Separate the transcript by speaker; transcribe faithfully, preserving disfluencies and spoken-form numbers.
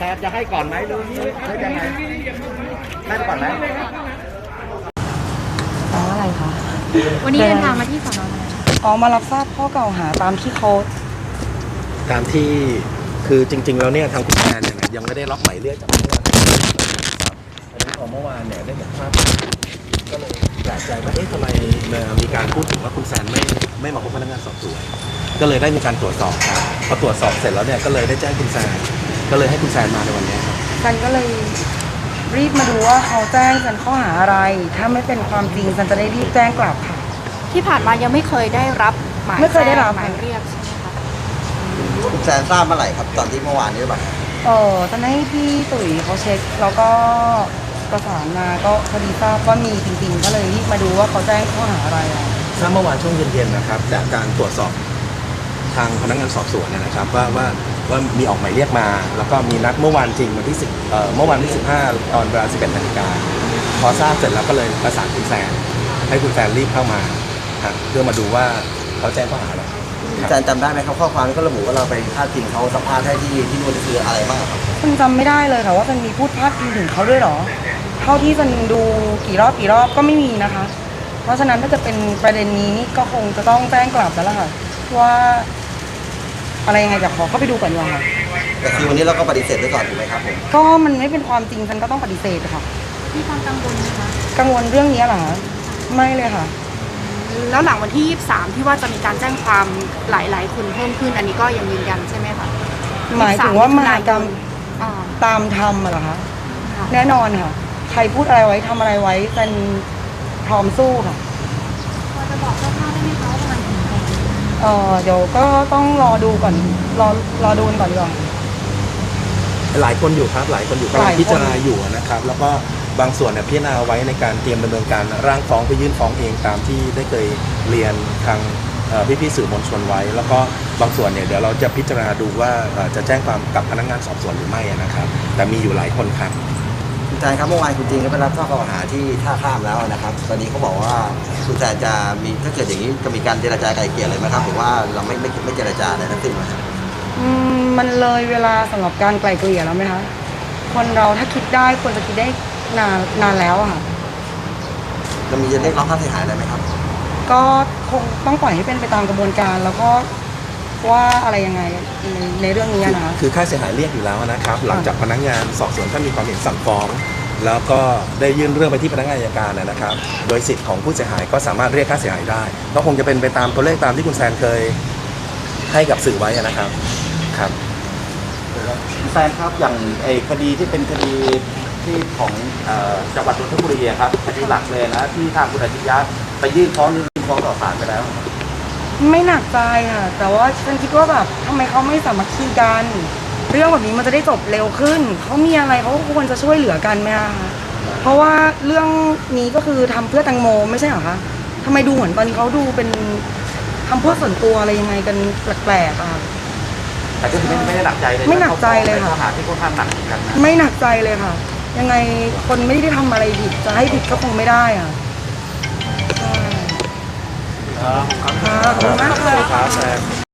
Speaker 1: แทนจะให้ก่อนไหมหรือให้ยังไงให้ก่อนไหม
Speaker 2: อ๋ออะไรคะ
Speaker 3: วันนี้เดินทางมาที่สน.
Speaker 2: อ๋อมารับทราบข้อกล่าวหาตามที่เขา
Speaker 1: ตามที่คือจริงๆแล้วเนี่ยทางคุณแซนเนี่ยยังไม่ได้รับหมายเรียกจากเมื่อวานครับอันนี้พอเมื่อวานเนี่ยได้เห็นภาพก็เลยแปลกใจว่าเอ๊ะทำไมมีการพูดถึงว่าคุณแซนไม่ไม่มาพบพนักงานสอบสวนก็เลยได้มีการตรวจสอบครับพอตรวจสอบเสร็จแล้วเนี่ยก็เลยได้แจ้งคุณแซนก็เลยให้คุณแซนมาในวันนี้ครับ
Speaker 2: ฉันก็เลยรีบมาดูว่าเขาแจ้งฉันข้อหาอะไรถ้าไม่เป็นความจริงฉันจะได้รีบแจ้งกลับค่ะ
Speaker 3: ที่ผ่านมายังไม่เคยได้รับหมาย
Speaker 2: ไม่เคยได้รับ
Speaker 3: หมายเรียกใช่ไหมคะ
Speaker 4: คุณแซนทราบเมื่อไหร่ครับตอนที่เมื่อวานนี้หรือเปล่า
Speaker 2: เออตอนให้พี่ตุ๋ยเขาเช็คแล้วก็ประสานมาก็พอดีทราบว่ามีจริงๆก็เลยรีบมาดูว่าเขาแจ้งข้อหาอะไรอ่ะ
Speaker 1: ทราบเมื่อวานช่วงเย็นๆนะครับจากการตรวจสอบทางพนักงานสอบสวนเนี่ยนะครับว่าว่าว่ามีออกหมายเรียกมาแล้วก็มีนัดเมื่อวานจริงวันที่สิบเอ่อเมื่อวันที่สิบห้าตอนเวลาสิบเอ็ดนาฬิกาพอทราบเสร็จแล้วก็เลยประสานคุณแซนให้คุณแซนรีบเข้ามาเพื่อมาดูว่าเขาแจ้งข้อหาอะไร
Speaker 4: คุณแซนจำได้ไหมครับข้อความที่ก็ระบุว่าเราไปพาดพิงเขาสัมภาษณ์ให้ที่ที่นู่นคืออะไรบ้างครับ
Speaker 2: ฉันจำไม่ได้เลยค่ะว่ามันมีพูดพาดพิงถึงเขาด้วยหรอเท่าที่ฉันดูกี่รอบกี่รอบก็ไม่มีนะคะเพราะฉะนั้นถ้าจะเป็นประเด็นนี้นี่ก็คงจะต้องแจ้งกลับแล้วล่ะค่ะว่าอะไรยังไงจะขอเข้าไปดูก่อนดีกว่าค่ะ
Speaker 4: แต่คือวันนี้เราก็ปฏิเสธไว้ก่อนถูกไหมครับผม
Speaker 2: ก็มันไม่เป็นความจริงฉันก็ต้องปฏิเสธค่ะ
Speaker 3: มีความกังวลไหมคะ
Speaker 2: กังวลเรื่องนี้เหรอไม่เลยค่ะ
Speaker 3: แล้วหลังวันที่ยี่สิบสามที่ว่าจะมีการแจ้งความหลายๆคนเพิ่มขึ้นอันนี้ก็ยังยืนยันใช่ไหมคะ
Speaker 2: หมายถึงว่ามหากรรมตามธรรมเหรอคะแน่นอนค่ะใครพูดอะไรไว้ทำอะไรไว้เป็นพร้อมสู้ค่ะ
Speaker 3: พอจะบอกคร่าวๆได้ไหมคะว่ามันถึงไหน
Speaker 2: เออเดี๋ยวก็ต้องรอดูก่อนรอรอดูก่อนดีกว่า
Speaker 1: หลายคนอยู่ครับหลายคนอยู่กำลังพิจารณาอยู่นะครับแล้วก็บางส่วนเนี่ยพิจารณาไว้ในการเตรียมดำเนินการร่างฟ้องไปยื่นฟ้องเองตามที่ได้เคยเรียนทางพี่ๆสื่อมวลชนไว้แล้วก็บางส่วนเนี่ยเดี๋ยวเราจะพิจารณาดูว่าจะแจ้งความกับพนักงานสอบสวนหรือไม่นะครับแต่มีอยู่หลายคนครับ
Speaker 4: คุณแซนครับเมื่อวานคุณจริงก็ไปรับทราบข้อหาที่ท่าข้ามแล้วนะครับตอนนี้เขาบอกว่าคุณแซนจะมีถ้าเกิดอย่างนี้จะมีการเจรจาไกลเกลี่ยเลยไหมครับหรือว่าเราไม่ไม่ไม่เจรจาอะไรทั้งสิ้น
Speaker 2: อืมมันเลยเวลาสำหรับการไกลเกลี่ยแล้วไหมคะคนเราถ้าคิดได้ควรจะคิดได้นานนานแล้วค่ะ
Speaker 4: เรามีจะเรียกร้องค่าเสียหายอะไรไหมครับ
Speaker 2: ก็คงต้องปล่อยให้เป็นไปตามกระบวนการแล้วก็ว่าอะไรยังไงในในเรื่องนี้นะ
Speaker 1: คือค่าเสียหายเรียกอยู่แล้วนะครับหลังจากพนักงานสอบสวนถ้ามีความเห็นสั่งฟ้องแล้วก็ได้ยื่นเรื่องไปที่พนักงานอัยการนะครับโดยสิทธิ์ของผู้เสียหายก็สามารถเรียกค่าเสียหายได้ก็คงจะเป็นไปตามตัวเลขตามที่คุณแซนเคยให้กับสื่อไว้นะครับครับ
Speaker 4: แซนครับอย่างไอ้คดีที่เป็นคดีที่ของจังหวัดนนทบุรีครับคดีหลักเลยนะที่ทางคุณอาชิยะไปยื่นฟ้องยื่นฟ้องต่อศาลไปแล้ว
Speaker 2: ไม่หนักใจค่ะแต่ว่าฉันคิดว่าแบบทำไมเขาไม่สามัคคีกันเรื่องแบบนี้มันจะได้จบเร็วขึ้นเขามีอะไรเขาควรจะช่วยเหลือกันไหมคะเพราะว่าเรื่องนี้ก็คือทำเพื่อแตงโมไม่ใช่เหรอคะทำไมดูเหมือนตอนนี้เขาดูเป็นทำเพื่อส่วนตัวอะไรยังไงกันแปลกๆอ่ะ
Speaker 4: แต่ก็ไม่ไม่ได้หนักใจเลย
Speaker 2: ไม่หนักใจเลยค่ะ
Speaker 4: ข้อหาที่ค่อนข้างหนักกันนะ
Speaker 2: ไม่หนักใจเลยค่ะยังไงคนไม่ได้ทำอะไรผิดจะให้ผิดก็คงไม่ได้อ่ะ
Speaker 4: ขอบคุณ
Speaker 2: มากเลย